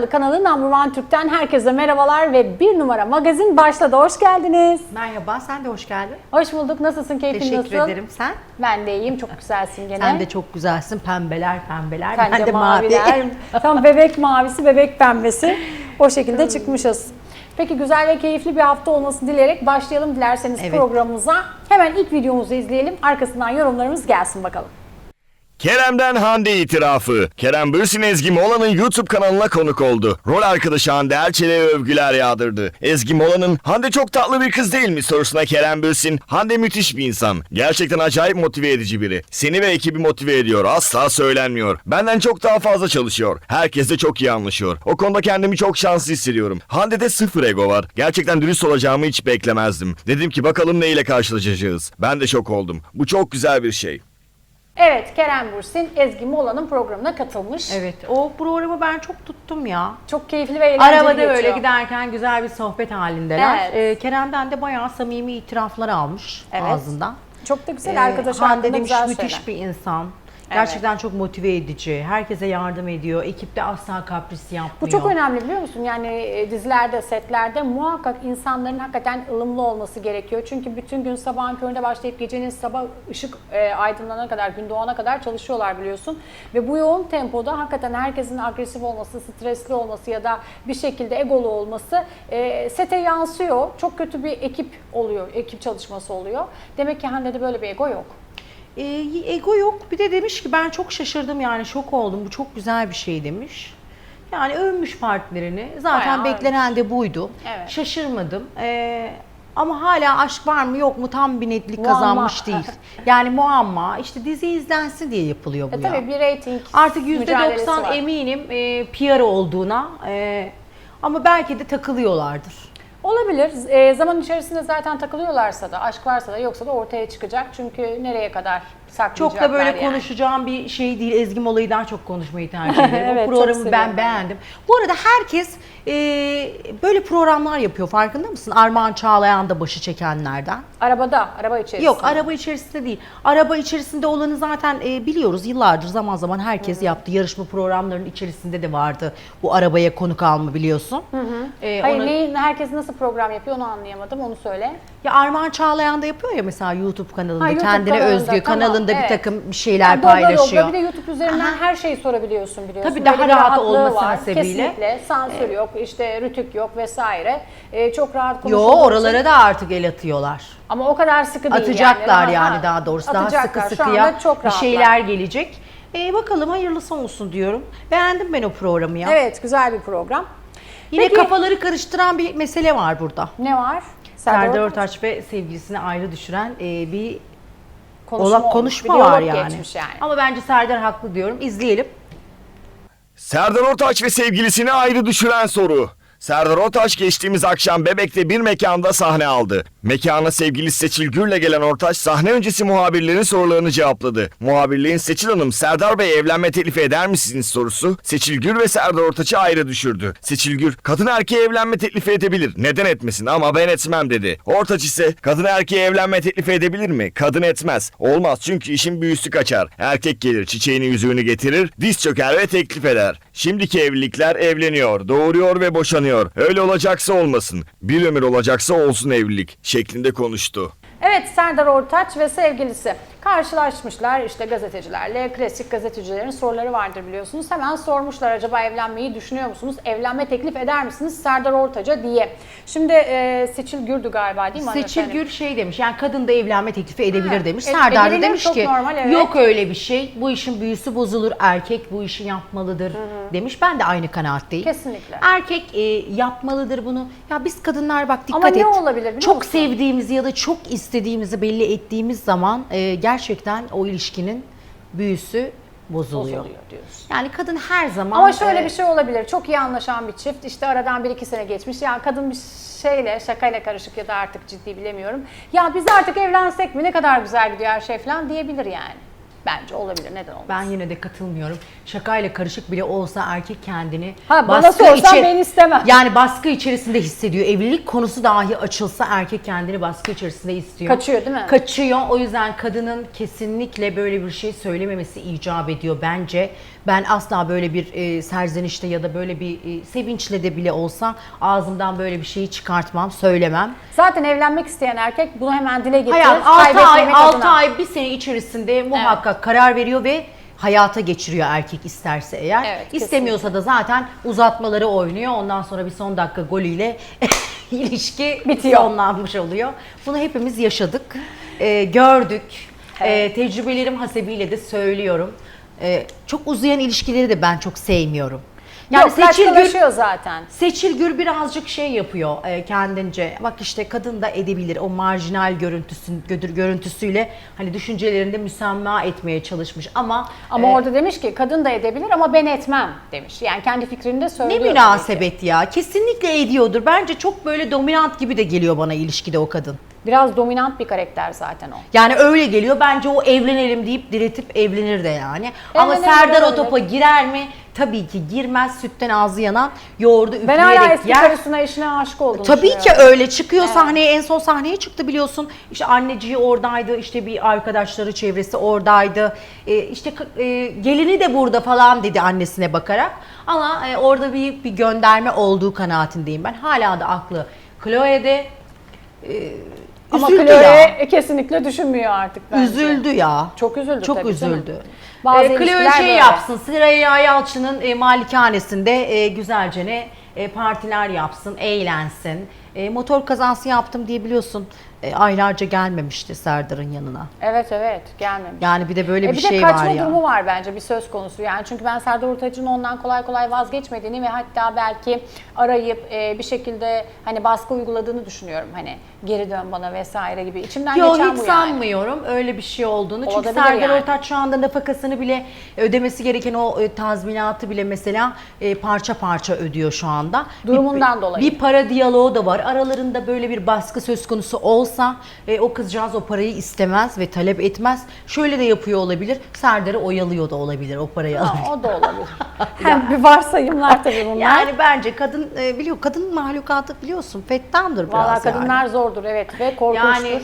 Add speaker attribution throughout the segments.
Speaker 1: numaralı kanalı Number One Türk'ten herkese merhabalar ve bir numara magazin başladı. Hoş geldiniz.
Speaker 2: Merhaba, sen de hoş geldin.
Speaker 1: Hoş bulduk. Nasılsın? Keyfin nasıl?
Speaker 2: Teşekkür ederim. Sen?
Speaker 1: Ben de iyiyim. Çok güzelsin gene.
Speaker 2: Sen de çok güzelsin. Pembeler.
Speaker 1: Ben de
Speaker 2: mavi.
Speaker 1: maviler. Tam bebek mavisi, bebek pembesi. O şekilde çıkmışız. Peki güzel ve keyifli bir hafta olmasını dileyerek başlayalım dilerseniz programımıza. Hemen ilk videomuzu izleyelim. Arkasından yorumlarımız gelsin bakalım.
Speaker 3: Kerem'den Hande itirafı. Kerem Bürsin Ezgi Mola'nın YouTube kanalına konuk oldu. Rol arkadaşı Hande Erçel'e övgüler yağdırdı. Ezgi Mola'nın "Hande çok tatlı bir kız değil mi?" sorusuna Kerem Bürsin, "Hande müthiş bir insan. Gerçekten acayip motive edici biri. Seni ve ekibi motive ediyor. Asla söylenmiyor. Benden çok daha fazla çalışıyor. Herkesle çok iyi anlaşıyor. O konuda kendimi çok şanslı hissediyorum. Hande'de sıfır ego var. Gerçekten dürüst olacağımı hiç beklemezdim. Dedim ki bakalım neyle karşılaşacağız. Ben de şok oldum. Bu çok güzel bir şey."
Speaker 1: Evet, Kerem Bürsin Ezgi Mola'nın programına katılmış.
Speaker 2: Evet, o programı ben çok tuttum ya.
Speaker 1: Çok keyifli ve eğlenceli
Speaker 2: Arabada
Speaker 1: geçiyor.
Speaker 2: böyle giderken güzel bir sohbet halindeler.
Speaker 1: Evet.
Speaker 2: Kerem'den de bayağı samimi itiraflar almış ağzından.
Speaker 1: Çok da güzel arkadaş
Speaker 2: Hande
Speaker 1: hakkında
Speaker 2: demiş
Speaker 1: güzel
Speaker 2: müthiş
Speaker 1: şeyler.
Speaker 2: bir insan. Gerçekten çok motive edici. Herkese yardım ediyor. Ekipte asla kapris yapmıyor.
Speaker 1: Bu çok önemli biliyor musun? Yani dizilerde, setlerde muhakkak insanların hakikaten ılımlı olması gerekiyor. Çünkü bütün gün sabahın köründe başlayıp gecenin sabah ışık aydınlanana kadar, gün doğana kadar çalışıyorlar biliyorsun. Ve bu yoğun tempoda hakikaten herkesin agresif olması, stresli olması ya da bir şekilde egolu olması sete yansıyor. Çok kötü bir ekip oluyor, ekip çalışması oluyor. Demek ki Hande'de böyle bir ego yok.
Speaker 2: Ego yok. Bir de demiş ki ben çok şaşırdım yani şok oldum. Bu çok güzel bir şey demiş. Yani övmüş partnerini. Zaten
Speaker 1: Bayağı
Speaker 2: beklenen de buydu.
Speaker 1: Evet.
Speaker 2: Şaşırmadım. Ama hala aşk var mı yok mu tam bir netlik
Speaker 1: Muamma.
Speaker 2: kazanmış değil. Yani muamma. İşte dizi izlensin diye yapılıyor bu ya.
Speaker 1: Tabii bir reyting
Speaker 2: Artık
Speaker 1: mücadelesi
Speaker 2: %90
Speaker 1: var.
Speaker 2: eminim PR olduğuna. Ama belki de takılıyorlardır.
Speaker 1: Olabilir. Zaman içerisinde zaten takılıyorlarsa da, aşk varsa da yoksa da ortaya çıkacak. Çünkü nereye kadar saklayacaklar
Speaker 2: Çok da böyle
Speaker 1: yani.
Speaker 2: konuşacağım bir şey değil. Ezgi Mola'yı daha çok konuşmayı tercih ederim.
Speaker 1: Evet,
Speaker 2: O
Speaker 1: çok
Speaker 2: programı
Speaker 1: seviyorum
Speaker 2: ben beğendim. Bu arada herkes böyle programlar yapıyor. Farkında mısın? Armağan Çağlayan da başı çekenlerden.
Speaker 1: Araba içerisinde.
Speaker 2: Yok, araba içerisinde değil. Araba içerisinde olanı zaten biliyoruz. Yıllardır zaman zaman herkes yaptı. Yarışma programlarının içerisinde de vardı. Bu arabaya konuk alma biliyorsun.
Speaker 1: Hayır, herkes nasıl program yapıyor onu anlayamadım. Onu söyle.
Speaker 2: Ya Armağan Çağlayan da yapıyor ya mesela YouTube kanalında.
Speaker 1: YouTube
Speaker 2: Kendine
Speaker 1: kanalında,
Speaker 2: özgü
Speaker 1: tamam,
Speaker 2: kanalında bir
Speaker 1: evet.
Speaker 2: takım bir şeyler
Speaker 1: Yani dobra
Speaker 2: paylaşıyor.
Speaker 1: dobra, bir de YouTube üzerinden her şeyi sorabiliyorsun biliyorsun.
Speaker 2: Tabii daha
Speaker 1: Böyle bir
Speaker 2: rahat
Speaker 1: rahatlığı
Speaker 2: olması
Speaker 1: var.
Speaker 2: hasebiyle.
Speaker 1: Kesinlikle. Sansür yok, işte rütük yok vesaire. Çok rahat
Speaker 2: Yo,
Speaker 1: konuşuyorsun.
Speaker 2: oralara da artık el atıyorlar.
Speaker 1: Ama o kadar sıkı değil
Speaker 2: Atacaklar
Speaker 1: yani.
Speaker 2: yani daha doğrusu. Daha sıkı
Speaker 1: Atacaklar. Şu
Speaker 2: sıkıya
Speaker 1: anda çok
Speaker 2: bir
Speaker 1: rahatlar.
Speaker 2: şeyler gelecek. Bakalım hayırlısı olsun diyorum. Beğendim ben o programı ya.
Speaker 1: Evet, güzel bir program.
Speaker 2: Yine
Speaker 1: Peki,
Speaker 2: kafaları karıştıran bir mesele var burada.
Speaker 1: ne var?
Speaker 2: Serdar Ortaç ve sevgilisini ayrı düşüren bir
Speaker 1: konuşma
Speaker 2: konuşma
Speaker 1: olmuş, bir
Speaker 2: var
Speaker 1: diyalog
Speaker 2: yani.
Speaker 1: geçmiş yani.
Speaker 2: Ama bence Serdar haklı diyorum. İzleyelim.
Speaker 3: Serdar Ortaç ve sevgilisini ayrı düşüren soru. Serdar Ortaç geçtiğimiz akşam Bebek'te bir mekanda sahne aldı. Mekana sevgilisi Seçil Gür'le gelen Ortaç sahne öncesi muhabirlerin sorularını cevapladı. Muhabirliğin "Seçil Hanım, Serdar Bey evlenme teklifi eder misiniz?" sorusu Seçil Gür ve Serdar Ortaç'ı ayrı düşürdü. Seçil Gür, "Kadın erkeğe evlenme teklifi edebilir. Neden etmesin ama ben etmem." dedi. Ortaç ise "Kadın erkeğe evlenme teklifi edebilir mi? Kadın etmez. Olmaz çünkü işin büyüsü kaçar. Erkek gelir, çiçeğini yüzüğünü getirir, diz çöker ve teklif eder. Şimdiki evlilikler evleniyor, doğuruyor ve boşanıyor. Öyle olacaksa olmasın. Bir ömür olacaksa olsun evlilik" şeklinde konuştu.
Speaker 1: Evet, Serdar Ortaç ve sevgilisi karşılaşmışlar işte gazetecilerle. Klasik gazetecilerin soruları vardır biliyorsunuz. Hemen sormuşlar, acaba evlenmeyi düşünüyor musunuz? Evlenme teklif eder misiniz Serdar Ortaç'a diye. Şimdi Seçil Gür'dü galiba değil mi?
Speaker 2: Seçil Gür şey demiş, yani kadın da evlenme teklifi edebilir demiş.
Speaker 1: Evet,
Speaker 2: Serdar da
Speaker 1: edilir,
Speaker 2: demiş
Speaker 1: çok
Speaker 2: ki
Speaker 1: normal, evet.
Speaker 2: yok öyle bir şey, bu işin büyüsü bozulur, erkek bu işi yapmalıdır demiş. Ben de aynı kanaatteyim.
Speaker 1: Kesinlikle.
Speaker 2: Erkek yapmalıdır bunu. Ya biz kadınlar bak dikkat
Speaker 1: Ama
Speaker 2: et.
Speaker 1: ne olabilir biliyor
Speaker 2: çok
Speaker 1: musun?
Speaker 2: sevdiğimizi ya da çok istediğimizi belli ettiğimiz zaman gerçekten o ilişkinin büyüsü bozuluyor.
Speaker 1: Diyorsun.
Speaker 2: Yani kadın her zaman...
Speaker 1: Ama şöyle bir şey olabilir. Çok iyi anlaşan bir çift. İşte aradan 1-2 sene geçmiş. Yani kadın bir şeyle, şakayla karışık ya da artık ciddi bilemiyorum. Ya biz artık evlensek mi? Ne kadar güzel gidiyor her şey falan diyebilir yani. Bence olabilir. Neden olmaz?
Speaker 2: Ben yine de katılmıyorum. Şakayla karışık bile olsa erkek kendini
Speaker 1: Bana sorsan ben istemem.
Speaker 2: Yani baskı içerisinde hissediyor. Evlilik konusu dahi açılsa erkek kendini baskı içerisinde istiyor.
Speaker 1: Kaçıyor değil mi?
Speaker 2: Kaçıyor. O yüzden kadının kesinlikle böyle bir şey söylememesi icap ediyor bence. Ben asla böyle bir serzenişte ya da böyle bir sevinçle de bile olsa ağzımdan böyle bir şeyi çıkartmam, söylemem.
Speaker 1: Zaten evlenmek isteyen erkek bunu hemen dile getirir.
Speaker 2: Hayat 6 ay,
Speaker 1: kaybetmemek
Speaker 2: 6
Speaker 1: adına.
Speaker 2: ay, bir sene içerisinde muhakkak karar veriyor ve hayata geçiriyor erkek isterse eğer.
Speaker 1: Evet,
Speaker 2: İstemiyorsa da zaten uzatmaları oynuyor. Ondan sonra bir son dakika golüyle ilişki
Speaker 1: Bitiyor.
Speaker 2: sonlanmış oluyor. Bunu hepimiz yaşadık, gördük. Tecrübelerim hasebiyle de söylüyorum. Çok uzayan ilişkileri de ben çok sevmiyorum.
Speaker 1: Yani Seçil zaten.
Speaker 2: Seçil Gür birazcık şey yapıyor kendince. Bak işte kadın da edebilir o marjinal görüntüsüyle hani düşüncelerinde müsamma etmeye çalışmış ama
Speaker 1: Orada demiş ki kadın da edebilir ama ben etmem demiş. Yani kendi fikrini de
Speaker 2: ne
Speaker 1: söylüyor.
Speaker 2: münasebet ya. Kesinlikle ediyordur. Bence çok böyle dominant gibi de geliyor bana ilişkide o kadın.
Speaker 1: Biraz dominant bir karakter zaten o.
Speaker 2: Yani öyle geliyor. Bence o evlenelim deyip diretip evlenir de yani. Ama
Speaker 1: Evlenebilir,
Speaker 2: Serdar o
Speaker 1: öyle.
Speaker 2: topa girer mi? Tabii ki girmez. Sütten ağzı yanan yoğurdu
Speaker 1: Ben
Speaker 2: üfleyerek
Speaker 1: hala eski
Speaker 2: yer.
Speaker 1: karısına, eşine aşık olduğunu
Speaker 2: Tabii ki
Speaker 1: düşünüyorum.
Speaker 2: öyle çıkıyor sahneye, en son sahneye çıktı biliyorsun. İşte anneciği oradaydı, işte bir arkadaşları çevresi oradaydı. Gelini de burada falan dedi annesine bakarak. Ama orada bir gönderme olduğu kanaatindeyim ben. Hala da aklı Chloe'de.
Speaker 1: Ama
Speaker 2: Üzüldü ya.
Speaker 1: Chloe kesinlikle düşünmüyor artık bence.
Speaker 2: Üzüldü ya.
Speaker 1: Çok üzüldü
Speaker 2: Çok
Speaker 1: tabii canım.
Speaker 2: üzüldü.
Speaker 1: Bazı
Speaker 2: Chloe
Speaker 1: ilişkiler
Speaker 2: şey
Speaker 1: böyle.
Speaker 2: yapsın, Süreyya Yalçın'ın malikanesinde güzelce partiler yapsın, eğlensin. Motor kazası yaptım diye biliyorsun aylarca gelmemişti Serdar'ın yanına.
Speaker 1: Evet gelmemiş.
Speaker 2: Yani bir de böyle bir
Speaker 1: bir
Speaker 2: şey
Speaker 1: de kaçma
Speaker 2: var ya.
Speaker 1: durumu var bence bir söz konusu. Yani çünkü ben Serdar Ortaç'ın ondan kolay kolay vazgeçmediğini ve hatta belki arayıp bir şekilde hani baskı uyguladığını düşünüyorum. Hani geri dön bana vesaire gibi. İçimden
Speaker 2: Yok
Speaker 1: geçen
Speaker 2: hiç
Speaker 1: bu yani.
Speaker 2: sanmıyorum öyle bir şey olduğunu. Çünkü
Speaker 1: Olabilir
Speaker 2: Serdar
Speaker 1: yani.
Speaker 2: Ortaç şu anda nafakasını bile ödemesi gereken o tazminatı bile mesela parça parça ödüyor şu anda.
Speaker 1: Durumundan dolayı.
Speaker 2: Bir para diyaloğu da var. Aralarında böyle bir baskı söz konusu olsa o kızcağız o parayı istemez ve talep etmez. Şöyle de yapıyor olabilir. Serdar'ı oyalıyor da olabilir o parayı alır.
Speaker 1: O da olabilir. Hem bir varsayımlar tabii bunlar.
Speaker 2: Yani bence kadın biliyor, kadın mahlukatı biliyorsun fettandır biraz.
Speaker 1: Vallahi kadınlar
Speaker 2: yani.
Speaker 1: zordur evet ve korkunçtur.
Speaker 2: Yani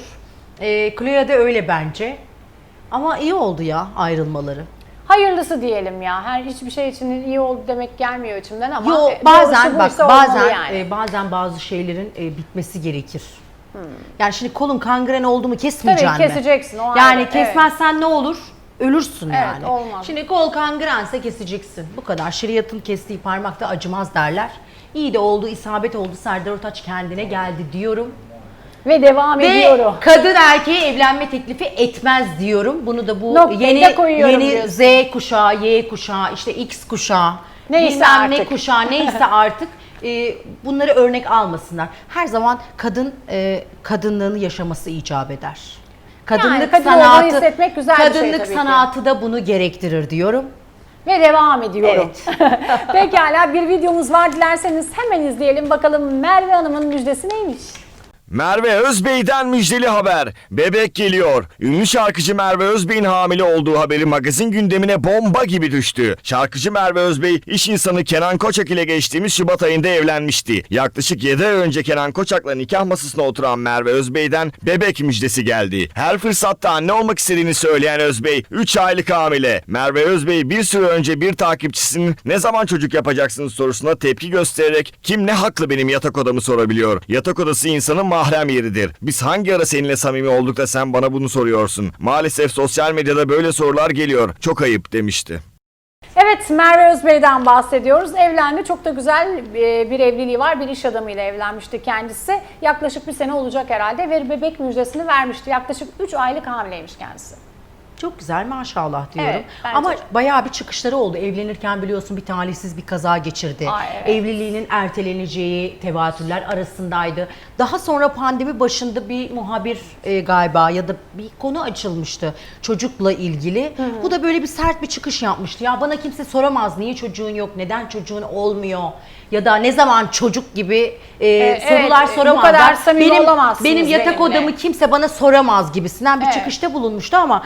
Speaker 2: Chloe de öyle bence. Ama iyi oldu ya ayrılmaları.
Speaker 1: Hayırlısı diyelim ya. Her hiçbir şey için iyi oldu demek gelmiyor içimden ama
Speaker 2: Yo
Speaker 1: doğrusu
Speaker 2: bazen bak
Speaker 1: buysa olmalı
Speaker 2: bazen
Speaker 1: yani.
Speaker 2: bazen bazı şeylerin bitmesi gerekir. Yani şimdi kolun kangren oldu mu kesmeyeceksin
Speaker 1: Tabii
Speaker 2: mi?
Speaker 1: keseceksin o
Speaker 2: Yani
Speaker 1: ayrı,
Speaker 2: kesmezsen ne olur? Ölürsün
Speaker 1: Evet,
Speaker 2: yani.
Speaker 1: olmaz.
Speaker 2: Şimdi kol kangrense keseceksin. Bu kadar. Şeriatın kestiği parmakta acımaz derler. İyi de oldu, isabet oldu. Serdar Ortaç kendine geldi diyorum.
Speaker 1: Ve devam ediyorum.
Speaker 2: Ve kadın erkeğe evlenme teklifi etmez diyorum. Bunu da bu
Speaker 1: Noktayı da koyuyorum
Speaker 2: yeni
Speaker 1: diyorsun.
Speaker 2: Z kuşağı, Y kuşağı, işte X kuşağı,
Speaker 1: Neyse
Speaker 2: bilmem ne
Speaker 1: artık.
Speaker 2: kuşağı neyse artık bunları örnek almasınlar. Her zaman kadın kadınlığını yaşaması icap eder. Kadınlık
Speaker 1: kadın olduğunu hissetmek güzel bir şey
Speaker 2: kadınlık
Speaker 1: tabii ki.
Speaker 2: sanatı da bunu gerektirir diyorum.
Speaker 1: Ve devam ediyorum.
Speaker 2: Evet.
Speaker 1: Pekala bir videomuz var dilerseniz hemen izleyelim bakalım Merve Hanım'ın müjdesi neymiş?
Speaker 3: Merve Özbey'den müjdeli haber. Bebek geliyor. Ünlü şarkıcı Merve Özbey'in hamile olduğu haberi magazin gündemine bomba gibi düştü. Şarkıcı Merve Özbey, iş insanı Kenan Koçak ile geçtiğimiz Şubat ayında evlenmişti. Yaklaşık 7 ay önce Kenan Koçak'la nikah masasına oturan Merve Özbey'den bebek müjdesi geldi. Her fırsatta anne olmak istediğini söyleyen Özbey, 3 aylık hamile. Merve Özbey bir süre önce bir takipçisinin ne zaman çocuk yapacaksınız sorusuna tepki göstererek kim ne haklı benim yatak odamı sorabiliyor. Yatak odası insanın mahrem yeridir. Biz hangi ara seninle samimi olduk da sen bana bunu soruyorsun? Maalesef sosyal medyada böyle sorular geliyor. Çok ayıp demişti.
Speaker 1: Evet Merve Özbey'den bahsediyoruz. Evlendi. Çok da güzel bir evliliği var. Bir iş adamıyla evlenmişti kendisi. Yaklaşık bir sene olacak herhalde ve bebek müjdesini vermişti. Yaklaşık 3 aylık hamileymiş kendisi.
Speaker 2: Çok güzel maşallah diyorum.
Speaker 1: Evet, bence
Speaker 2: ama
Speaker 1: de.
Speaker 2: bayağı bir çıkışları oldu. Evlenirken biliyorsun bir talihsiz bir kaza geçirdi.
Speaker 1: Ay, evet.
Speaker 2: Evliliğinin erteleneceği tevatürler arasındaydı. Daha sonra pandemi başında bir muhabir galiba ya da bir konu açılmıştı çocukla ilgili. Bu da böyle bir sert bir çıkış yapmıştı. Ya bana kimse soramaz niye çocuğun yok, neden çocuğun olmuyor ya da ne zaman çocuk gibi sorular
Speaker 1: bu
Speaker 2: soramazlar.
Speaker 1: kadar samimi olamazsınız
Speaker 2: benim yatak
Speaker 1: benimle.
Speaker 2: odamı kimse bana soramaz gibisinden bir
Speaker 1: Evet.
Speaker 2: çıkışta bulunmuştu ama şu an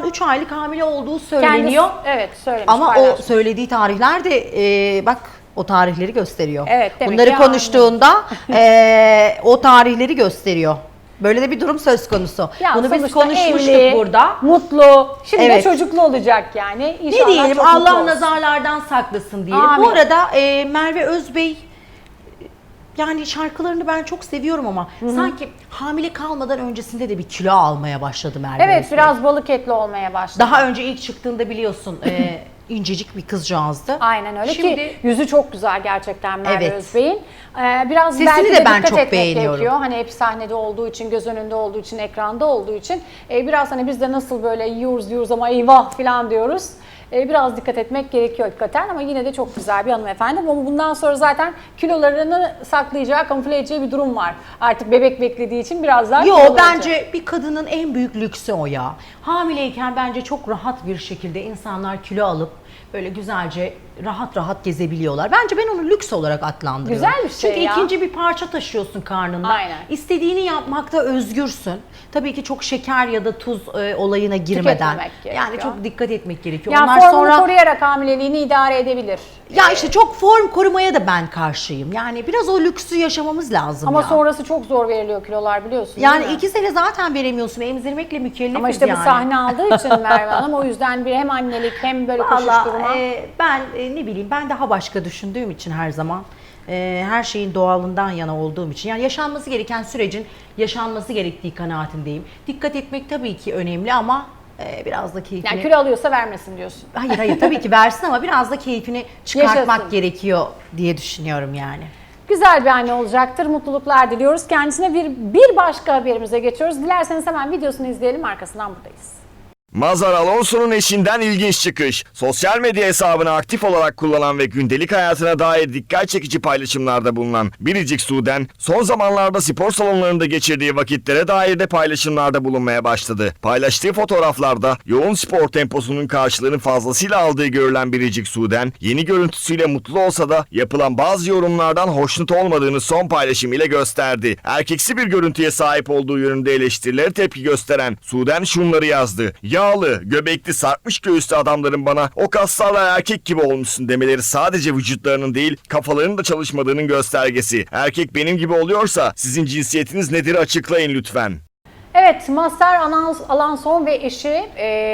Speaker 2: an 3 aylık hamile olduğu söyleniyor.
Speaker 1: Evet, söylemiş.
Speaker 2: Ama o
Speaker 1: paylaşmış.
Speaker 2: söylediği tarihler de bak o tarihleri gösteriyor.
Speaker 1: Evet, demek
Speaker 2: Bunları
Speaker 1: ki
Speaker 2: konuştuğunda o tarihleri gösteriyor. Böyle de bir durum söz konusu.
Speaker 1: Ya
Speaker 2: Bunu biz
Speaker 1: sonuçta
Speaker 2: konuşmuştuk
Speaker 1: evli,
Speaker 2: burada.
Speaker 1: Mutlu. Şimdi de
Speaker 2: Evet.
Speaker 1: çocuklu olacak yani.
Speaker 2: Ne
Speaker 1: İnşallah
Speaker 2: diyelim,
Speaker 1: çok mutlu
Speaker 2: Allah
Speaker 1: olsun.
Speaker 2: nazarlardan saklasın diyelim.
Speaker 1: Amin.
Speaker 2: Bu arada Merve Özbey, yani şarkılarını ben çok seviyorum ama sanki hamile kalmadan öncesinde de bir kilo almaya başladı Merve
Speaker 1: Evet,
Speaker 2: Özbey.
Speaker 1: biraz balık etli olmaya başladı.
Speaker 2: Daha önce ilk çıktığında biliyorsun incecik bir kızcağızdı.
Speaker 1: Aynen öyle
Speaker 2: Şimdi
Speaker 1: ki yüzü çok güzel gerçekten Merve
Speaker 2: Evet.
Speaker 1: Özbey'in. Biraz
Speaker 2: Sesini
Speaker 1: belki
Speaker 2: de ben
Speaker 1: dikkat
Speaker 2: çok
Speaker 1: etmek
Speaker 2: beğeniyorum.
Speaker 1: gerekiyor. Hani hep sahnede olduğu için, göz önünde olduğu için, ekranda olduğu için biraz hani biz de nasıl böyle yiyoruz ama eyvah falan diyoruz. Biraz dikkat etmek gerekiyor hakikaten ama yine de çok güzel bir hanımefendi. Ama bundan sonra zaten kilolarını saklayacağı, kamufle edeceği bir durum var. Artık bebek beklediği için biraz daha
Speaker 2: Yo,
Speaker 1: kilolu olacak.
Speaker 2: bence bir kadının en büyük lüksü o ya. Hamileyken bence çok rahat bir şekilde insanlar kilo alıp böyle güzelce rahat rahat gezebiliyorlar. Bence ben onu lüks olarak adlandırıyorum.
Speaker 1: Güzel bir şey
Speaker 2: Çünkü
Speaker 1: ya.
Speaker 2: ikinci bir parça taşıyorsun karnında.
Speaker 1: Aynen.
Speaker 2: İstediğini yapmakta özgürsün. Tabii ki çok şeker ya da tuz olayına girmeden.
Speaker 1: Tüketmemek gerekiyor.
Speaker 2: Yani çok dikkat etmek gerekiyor.
Speaker 1: Yani
Speaker 2: Onlar
Speaker 1: formunu
Speaker 2: sonra
Speaker 1: koruyarak hamileliğini idare edebilir.
Speaker 2: ya işte çok form korumaya da ben karşıyım. Yani biraz o lüksü yaşamamız lazım
Speaker 1: Ama
Speaker 2: ya.
Speaker 1: sonrası çok zor veriliyor kilolar biliyorsun
Speaker 2: Yani
Speaker 1: değil mi?
Speaker 2: 2 sene zaten veremiyorsun. Emzirmekle mükellefiz
Speaker 1: Ama işte
Speaker 2: yani.
Speaker 1: bu sahne aldığı için Merve Hanım o yüzden bir hem annelik hem böyle koşuşturma.
Speaker 2: Vallahi ben ne bileyim, ben daha başka düşündüğüm için her zaman her şeyin doğalından yana olduğum için, yani yaşanması gereken sürecin yaşanması gerektiği kanaatindeyim. Dikkat etmek tabii ki önemli ama biraz da keyfini...
Speaker 1: Yani kilo alıyorsa vermesin diyorsun.
Speaker 2: Hayır tabii ki versin ama biraz da keyfini çıkartmak
Speaker 1: Yaşasın.
Speaker 2: gerekiyor diye düşünüyorum yani.
Speaker 1: Güzel bir anne olacaktır. Mutluluklar diliyoruz. Kendisine bir başka haberimize geçiyoruz. Dilerseniz hemen videosunu izleyelim. Arkasından buradayız.
Speaker 3: Mazhar Alonso'nun eşinden ilginç çıkış. Sosyal medya hesabını aktif olarak kullanan ve gündelik hayatına dair dikkat çekici paylaşımlarda bulunan Biricik Su'den son zamanlarda spor salonlarında geçirdiği vakitlere dair de paylaşımlarda bulunmaya başladı. Paylaştığı fotoğraflarda yoğun spor temposunun karşılığını fazlasıyla aldığı görülen Biricik Su'den yeni görüntüsüyle mutlu olsa da yapılan bazı yorumlardan hoşnut olmadığını son paylaşım ile gösterdi. Erkeksi bir görüntüye sahip olduğu yönünde eleştirilere tepki gösteren Su'den şunları yazdı. Yağlı, göbekli, sarkmış göğüslü adamların bana o kaslarla erkek gibi olmuşsun demeleri sadece vücutlarının değil kafalarının da çalışmadığının göstergesi. Erkek benim gibi oluyorsa sizin cinsiyetiniz nedir açıklayın lütfen.
Speaker 1: Evet, Mazhar Alanson ve eşi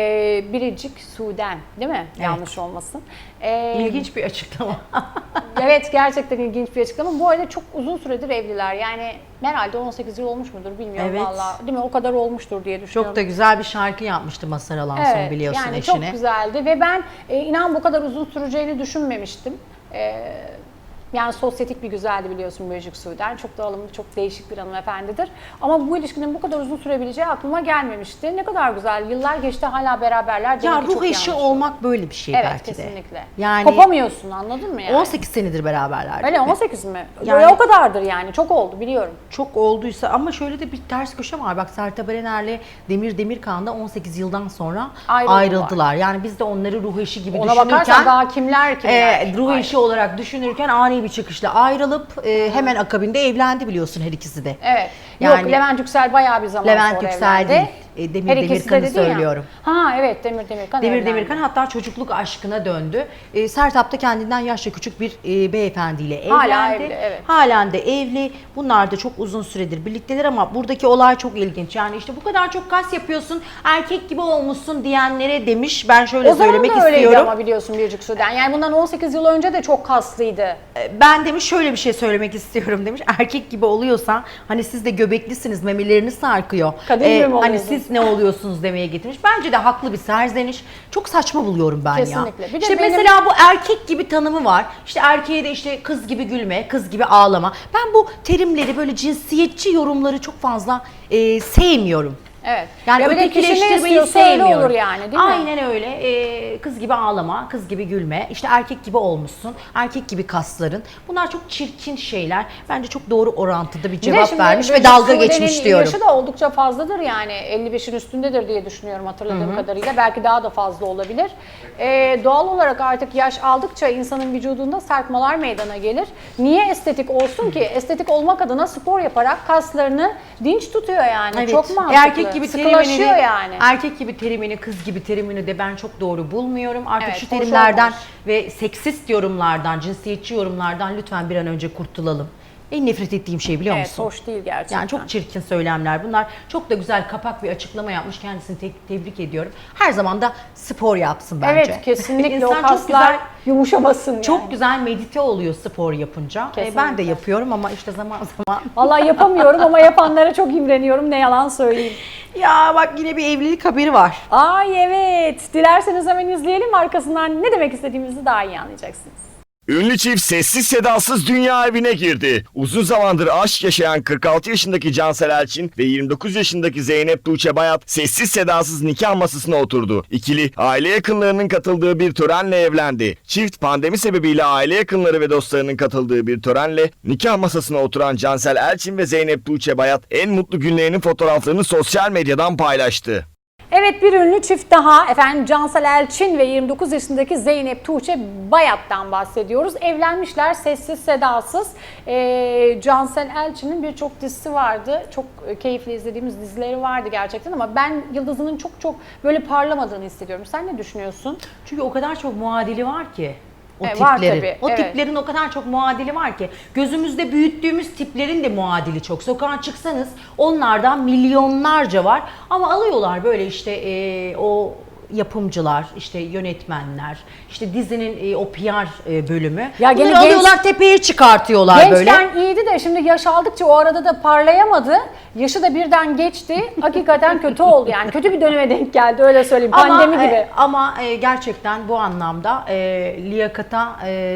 Speaker 1: Biricik Su'den değil mi?
Speaker 2: Evet.
Speaker 1: Yanlış olmasın.
Speaker 2: İlginç bir açıklama.
Speaker 1: Evet, gerçekten ilginç bir açıklama. Bu arada çok uzun süredir evliler. Yani herhalde 18 yıl olmuş mudur bilmiyorum
Speaker 2: Evet.
Speaker 1: vallahi. Değil mi? O kadar olmuştur diye düşünüyorum.
Speaker 2: Çok da güzel bir şarkı yapmıştı Mazhar Alanson, biliyorsun
Speaker 1: yani
Speaker 2: eşine.
Speaker 1: çok güzeldi ve ben inan bu kadar uzun süreceğini düşünmemiştim. Yani sosyetik bir güzeldi biliyorsun Biricik Su'den. Çok da alımlı, çok değişik bir hanımefendidir. Ama bu ilişkinin bu kadar uzun sürebileceği aklıma gelmemişti. Ne kadar güzel. Yıllar geçti hala beraberler.
Speaker 2: Ya
Speaker 1: Demek ki
Speaker 2: ruh
Speaker 1: çok
Speaker 2: eşi
Speaker 1: yanlış.
Speaker 2: olmak böyle bir şey
Speaker 1: Evet,
Speaker 2: belki de.
Speaker 1: kesinlikle.
Speaker 2: Yani
Speaker 1: Kopamıyorsun, anladın mı yani?
Speaker 2: 18 senedir beraberler.
Speaker 1: Öyle
Speaker 2: değil mi?
Speaker 1: 18 mi?
Speaker 2: Yani-
Speaker 1: Böyle o kadardır yani. Çok oldu biliyorum.
Speaker 2: Çok olduysa ama şöyle de bir ters köşe var. Bak, Sertab Erener'le Demir Demirkan da 18 yıldan sonra ayrıldılar. Yani biz de onları ruh eşi gibi
Speaker 1: Ona bakarsan
Speaker 2: düşünürken
Speaker 1: daha kimler.
Speaker 2: ruh eşi olarak düşünürken ani bir çıkışla ayrılıp hemen akabinde evlendi biliyorsun her ikisi de.
Speaker 1: Evet.
Speaker 2: Yani-
Speaker 1: Yok, Levent Yüksel bayağı bir zaman
Speaker 2: Levent
Speaker 1: sonra
Speaker 2: Yüksel
Speaker 1: evlendi.
Speaker 2: değil, Demir
Speaker 1: Her ikisi de
Speaker 2: Demirkan'ı
Speaker 1: dedin ya.
Speaker 2: söylüyorum.
Speaker 1: Ha evet, Demir Demirkan
Speaker 2: Demir
Speaker 1: evlendi.
Speaker 2: Demirkan hatta çocukluk aşkına döndü. Sertab da kendinden yaşça küçük bir beyefendiyle evlendi.
Speaker 1: Hala evli, evet.
Speaker 2: Halen de evli. Bunlar da çok uzun süredir birlikteler ama buradaki olay çok ilginç. Yani işte bu kadar çok kas yapıyorsun, erkek gibi olmuşsun diyenlere demiş. Ben şöyle
Speaker 1: O zaman
Speaker 2: söylemek
Speaker 1: da öyleydi
Speaker 2: istiyorum.
Speaker 1: ama biliyorsun Biricik Su'den. Yani bundan 18 yıl önce de çok kaslıydı.
Speaker 2: Ben demiş şöyle bir şey söylemek istiyorum demiş. Erkek gibi oluyorsan hani siz de göbeklisiniz, memeleriniz sarkıyor.
Speaker 1: Kadın gibi mi
Speaker 2: Hani
Speaker 1: oluyorsun?
Speaker 2: siz ne oluyorsunuz demeye getirmiş. Bence de haklı bir serzeniş. Çok saçma buluyorum ben ya.
Speaker 1: Kesinlikle. Bir de
Speaker 2: İşte
Speaker 1: benim-
Speaker 2: mesela bu erkek gibi tanımı var. İşte erkeğe de işte kız gibi gülme, kız gibi ağlama. Ben bu terimleri, böyle cinsiyetçi yorumları çok fazla sevmiyorum.
Speaker 1: Evet.
Speaker 2: Yani
Speaker 1: ya bir de kişi ne
Speaker 2: ötekileştirmeyi
Speaker 1: istiyorsa öyle
Speaker 2: sevmiyorum.
Speaker 1: olur yani değil mi?
Speaker 2: Aynen öyle. Kız gibi ağlama, kız gibi gülme, işte erkek gibi olmuşsun, erkek gibi kasların. Bunlar çok çirkin şeyler. Bence çok doğru orantıda bir
Speaker 1: Bir de
Speaker 2: cevap
Speaker 1: şimdi
Speaker 2: vermiş ve
Speaker 1: Biricik
Speaker 2: dalga
Speaker 1: Su'de'nin
Speaker 2: geçmiş diyorum.
Speaker 1: yaşı da oldukça fazladır yani 55'in üstündedir diye düşünüyorum hatırladığım kadarıyla. Belki daha da fazla olabilir. Doğal olarak artık yaş aldıkça insanın vücudunda sarkmalar meydana gelir. Niye estetik olsun ki? Estetik olmak adına spor yaparak kaslarını dinç tutuyor yani.
Speaker 2: Evet.
Speaker 1: Çok mantıklı.
Speaker 2: Erkek gibi gibi
Speaker 1: sıkılaşıyor
Speaker 2: terimini,
Speaker 1: yani.
Speaker 2: erkek gibi terimini, kız gibi terimini de ben çok doğru bulmuyorum. Artık
Speaker 1: Evet,
Speaker 2: şu
Speaker 1: hoş
Speaker 2: terimlerden
Speaker 1: olmamış.
Speaker 2: ve seksist yorumlardan, cinsiyetçi yorumlardan lütfen bir an önce kurtulalım. En nefret ettiğim şey biliyor
Speaker 1: Evet,
Speaker 2: musun?
Speaker 1: hoş değil gerçekten.
Speaker 2: Yani çok çirkin söylemler bunlar. Çok da güzel kapak bir açıklama yapmış. Kendisini tebrik ediyorum. Her zaman da spor yapsın bence.
Speaker 1: Evet, kesinlikle
Speaker 2: İnsan
Speaker 1: o
Speaker 2: çok
Speaker 1: kaslar
Speaker 2: güzel,
Speaker 1: yumuşamasın yani.
Speaker 2: çok güzel medite oluyor spor yapınca. Ben de
Speaker 1: Kesinlikle.
Speaker 2: yapıyorum ama işte zaman zaman.
Speaker 1: Vallahi yapamıyorum ama yapanlara çok imreniyorum, ne yalan söyleyeyim.
Speaker 2: Ya bak yine bir evlilik haberi var.
Speaker 1: Ay evet, dilerseniz hemen izleyelim, arkasından ne demek istediğimizi daha iyi anlayacaksınız.
Speaker 3: Ünlü çift sessiz sedasız dünya evine girdi. Uzun zamandır aşk yaşayan 46 yaşındaki Cansel Elçin ve 29 yaşındaki Zeynep Tuğçe Bayat sessiz sedasız nikah masasına oturdu. İkili aile yakınlarının katıldığı bir törenle evlendi. Çift pandemi sebebiyle aile yakınları ve dostlarının katıldığı bir törenle nikah masasına oturan Cansel Elçin ve Zeynep Tuğçe Bayat en mutlu günlerinin fotoğraflarını sosyal medyadan paylaştı.
Speaker 1: Evet, bir ünlü çift daha, efendim Cansel Elçin ve 29 yaşındaki Zeynep Tuğçe Bayat'tan bahsediyoruz. Evlenmişler sessiz sedasız. Cansel Elçin'in birçok dizisi vardı. Çok keyifli izlediğimiz dizileri vardı gerçekten ama ben yıldızının çok böyle parlamadığını hissediyorum. Sen ne düşünüyorsun?
Speaker 2: Çünkü o kadar çok muadili var ki. O
Speaker 1: Var
Speaker 2: tiplerin.
Speaker 1: tabii,
Speaker 2: O
Speaker 1: evet.
Speaker 2: tiplerin o kadar çok muadili var ki. Gözümüzde büyüttüğümüz tiplerin de muadili çok. Sokağa çıksanız onlardan milyonlarca var. Ama alıyorlar böyle işte o yapımcılar, işte yönetmenler, işte dizinin o PR bölümü.
Speaker 1: Ya gene
Speaker 2: Bunları alıyorlar tepeye çıkartıyorlar böyle.
Speaker 1: Gençken iyiydi de şimdi yaş aldıkça o arada da parlayamadı. Yaşı da birden geçti. Hakikaten kötü oldu yani. Kötü bir döneme denk geldi, öyle söyleyeyim. Pandemi gibi.
Speaker 2: Ama gerçekten bu anlamda liyakata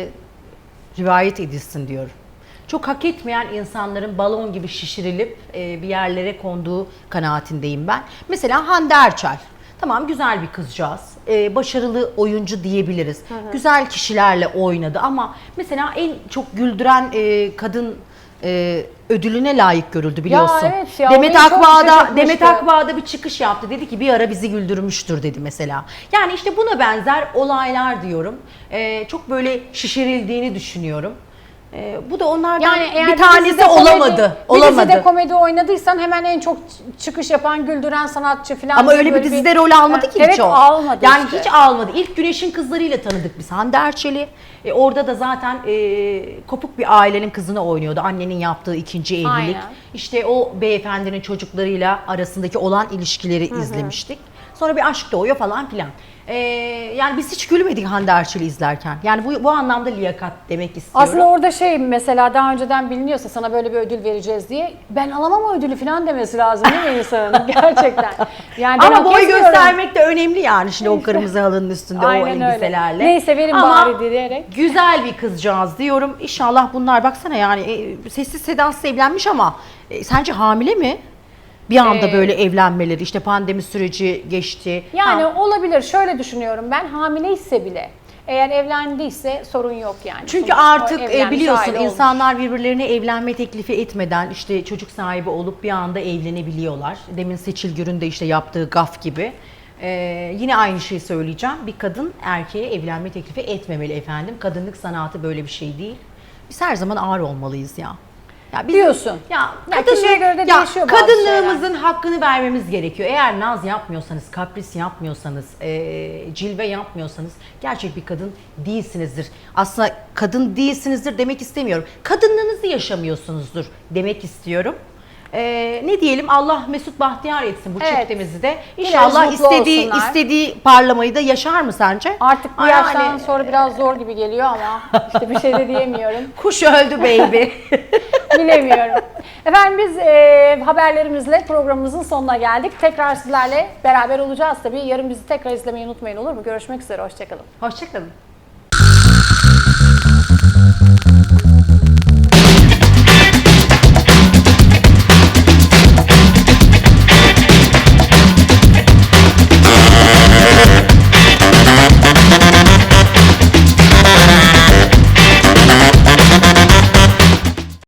Speaker 2: rivayet edilsin diyorum. Çok hak etmeyen insanların balon gibi şişirilip bir yerlere konduğu kanaatindeyim ben. Mesela Hande Erçel. Tamam, güzel bir kızcağız. Başarılı oyuncu diyebiliriz. Güzel kişilerle oynadı ama mesela en çok güldüren kadın ödülüne layık görüldü biliyorsun.
Speaker 1: evet ya,
Speaker 2: Demet
Speaker 1: beni çok
Speaker 2: Akbağ'da
Speaker 1: şaşırtmıştı.
Speaker 2: bir çıkış yaptı. Dedi ki bir ara bizi güldürmüştür dedi mesela. Yani işte buna benzer olaylar diyorum. Çok böyle şişirildiğini düşünüyorum. Bu da onlardan
Speaker 1: Yani eğer
Speaker 2: bir tanesi
Speaker 1: dizide
Speaker 2: olamadı.
Speaker 1: Bir dizide komedi oynadıysan hemen en çok çıkış yapan, güldüren sanatçı falan.
Speaker 2: Ama
Speaker 1: diye
Speaker 2: öyle bir
Speaker 1: böyle
Speaker 2: dizide rol almadı ki
Speaker 1: evet,
Speaker 2: hiç o.
Speaker 1: almadı
Speaker 2: Yani
Speaker 1: işte.
Speaker 2: hiç almadı. İlk Güneş'in Kızları'yla tanıdık biz Hande Erçel'i. Orada da zaten kopuk bir ailenin kızını oynuyordu. Annenin yaptığı ikinci evlilik.
Speaker 1: Aynen.
Speaker 2: İşte o beyefendinin çocuklarıyla arasındaki olan ilişkileri izlemiştik. Sonra bir aşk doğuyor falan filan. Yani biz hiç gülmedik Hande Erçel'i izlerken. Yani bu anlamda liyakat demek istiyorum.
Speaker 1: Aslında orada mesela daha önceden biliniyorsa sana böyle bir ödül vereceğiz diye ben alamam o ödülü falan demesi lazım değil mi insanın? Gerçekten. Yani ben
Speaker 2: ama
Speaker 1: hak
Speaker 2: boy
Speaker 1: etmiyorum.
Speaker 2: göstermek de önemli yani şimdi o kırmızı halının üstünde
Speaker 1: Aynen
Speaker 2: o
Speaker 1: öyle.
Speaker 2: elbiselerle.
Speaker 1: Neyse, verin
Speaker 2: Ama
Speaker 1: bari diyerek.
Speaker 2: güzel bir kızcağız diyorum. İnşallah bunlar baksana yani sessiz sedasız evlenmiş ama sence hamile mi? Bir anda böyle evlenmeleri, işte pandemi süreci geçti.
Speaker 1: Yani
Speaker 2: Ha.
Speaker 1: olabilir. Şöyle düşünüyorum ben, hamileyse bile eğer evlendiyse sorun yok yani.
Speaker 2: Çünkü
Speaker 1: Sonuçta
Speaker 2: artık
Speaker 1: evlenmiş,
Speaker 2: biliyorsun
Speaker 1: aile olmuş.
Speaker 2: insanlar birbirlerine evlenme teklifi etmeden işte çocuk sahibi olup bir anda evlenebiliyorlar. Demin Seçil Gür'ün de işte yaptığı gaf gibi. Yine aynı şeyi söyleyeceğim. Bir kadın erkeğe evlenme teklifi etmemeli efendim. Kadınlık sanatı böyle bir şey değil. Biz her zaman ağır olmalıyız ya. Ya biz,
Speaker 1: Diyorsun.
Speaker 2: Ya,
Speaker 1: kişiye göre de değişiyor bazı
Speaker 2: kadınlığımızın hakkını vermemiz gerekiyor. Eğer naz yapmıyorsanız, kapris yapmıyorsanız, cilve yapmıyorsanız gerçek bir kadın değilsinizdir. Aslında kadın değilsinizdir demek istemiyorum. Kadınlığınızı yaşamıyorsunuzdur demek istiyorum. Ne diyelim, Allah mesut bahtiyar etsin bu
Speaker 1: Evet.
Speaker 2: çiftimizi de.
Speaker 1: Dileriz
Speaker 2: İnşallah
Speaker 1: mutlu olsunlar.
Speaker 2: istediği parlamayı da yaşar mı sence?
Speaker 1: Artık bu
Speaker 2: Ay,
Speaker 1: yaştan
Speaker 2: yani-
Speaker 1: sonra biraz zor gibi geliyor ama işte bir şey de diyemiyorum.
Speaker 2: Kuş öldü baby.
Speaker 1: Bilemiyorum. Efendim biz haberlerimizle programımızın sonuna geldik. Tekrar sizlerle beraber olacağız tabii. Yarın bizi tekrar izlemeyi unutmayın, olur mu? Görüşmek üzere, hoşçakalın.
Speaker 2: Hoşçakalın.